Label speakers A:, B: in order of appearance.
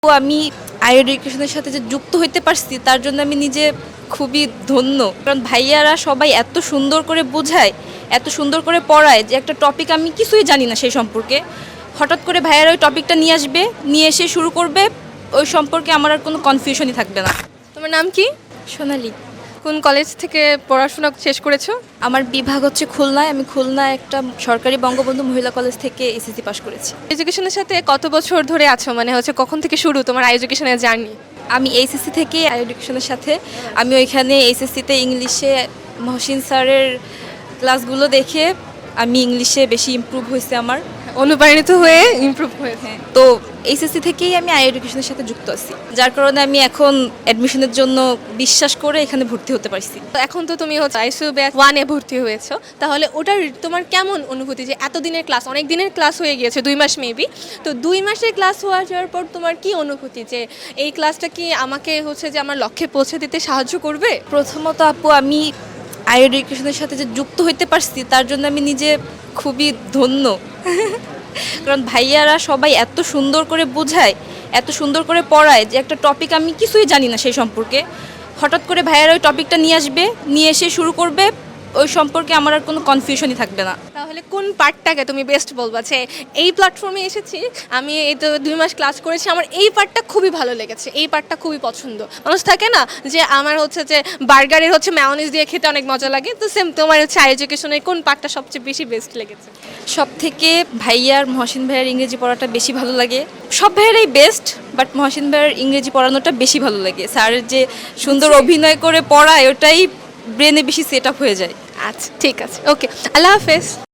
A: তো আমি হায়ার এডুকেশনের সাথে যে যুক্ত হইতে পারছি তার জন্য আমি নিজে খুবই ধন্য। কারণ ভাইয়ারা সবাই এত সুন্দর করে বোঝায়, এত সুন্দর করে পড়ায় যে একটা টপিক আমি কিছুই জানি না সেই সম্পর্কে। হঠাৎ করে ভাইয়ারা ওই টপিকটা নিয়ে আসবে, নিয়ে এসে শুরু করবে, ওই সম্পর্কে আমার আর কোনো কনফিউশনই থাকবে না।
B: তোমার নাম কি?
A: সোনালি।
B: কোন কলেজ থেকে পড়াশোনা শেষ করেছো?
A: আমার বিভাগ হচ্ছে খুলনায়। আমি খুলনায় একটা সরকারি বঙ্গবন্ধু মহিলা কলেজ থেকে এসএসসি পাস করেছি।
B: এডুকেশনের সাথে কত বছর ধরে আছো, মানে হচ্ছে কখন থেকে শুরু তোমার এডুকেশনের জার্নি?
A: আমি এইচএসসি থেকে হায়ার এডুকেশনের সাথে আমি ওইখানে এইচএসসিতে ইংলিশে মহসিন স্যারের ক্লাসগুলো দেখে আমি ইংলিশে বেশি ইমপ্রুভ হয়েছে আমার।
B: অনুপ্রাণিত হয়ে ইমপ্রুভ হয়েছে।
A: তো এইচএসসি থেকেই আমি হায়ার এডুকেশনের সাথে যুক্ত আছি, যার কারণে আমি এখন অ্যাডমিশনের জন্য বিশ্বাস করে এখানে ভর্তি হতে পারছি।
B: তো এখন তো তুমি হচ্ছে আইসিইউ ব্যাচ 1-এ ভর্তি হয়েছো, তাহলে ওটার তোমার কেমন অনুভূতি যে এত দিনের ক্লাস, অনেক দিনের ক্লাস হয়ে গিয়েছে, 2 মাস মেবি, তো 2 মাসের ক্লাস হওয়া যাওয়ার পর তোমার কি অনুভূতি যে এই ক্লাসটা কি আমাকে হচ্ছে যে আমার লক্ষ্যে পৌঁছে দিতে সাহায্য করবে?
A: প্রথমত আপু, আমি হায়ার এডুকেশনের সাথে যে যুক্ত হইতে পারছি তার জন্য আমি নিজে খুবই ধন্য। কারণ ভাইয়ারা সবাই এত সুন্দর করে বোঝায়, এত সুন্দর করে পড়ায় যে একটা টপিক আমি কিছুই জানি না সেই সম্পর্কে। হঠাৎ করে ভাইয়ারা ওই টপিকটা নিয়ে আসবে, নিয়ে এসে শুরু করবে, ওই সম্পর্কে আমার আর কোনো কনফিউশনই থাকবে না।
B: তাহলে কোন পার্টটাকে তুমি বেস্ট বলবা যে এই প্ল্যাটফর্মে এসেছি, আমি এই তো 2 মাস ক্লাস করেছি, আমার এই পার্টটা খুবই ভালো লেগেছে, এই পার্টটা খুবই পছন্দ? মানুষ থাকে না যে আমার হচ্ছে যে বার্গারের হচ্ছে মেয়োনিজ দিয়ে খেতে অনেক মজা লাগে, তো সেম তোমার হচ্ছে এডুকেশনের কোন পার্টটা সবচেয়ে বেশি বেস্ট লেগেছে?
A: সব থেকে ভাইয়ার মহসিন ভাইয়ার ইংরেজি পড়াটা বেশি ভালো লাগে। সব ভাইয়ারাই বেস্ট, বাট মহসিন ভাইয়ার ইংরেজি পড়ানোটা বেশি ভালো লাগে। স্যারের যে সুন্দর অভিনয় করে পড়ায় ওটাই ব্রেনে বেশি সেট আপ হয়ে যায়।
B: আচ্ছা, ঠিক আছে, ওকে, আল্লাহ হাফেজ।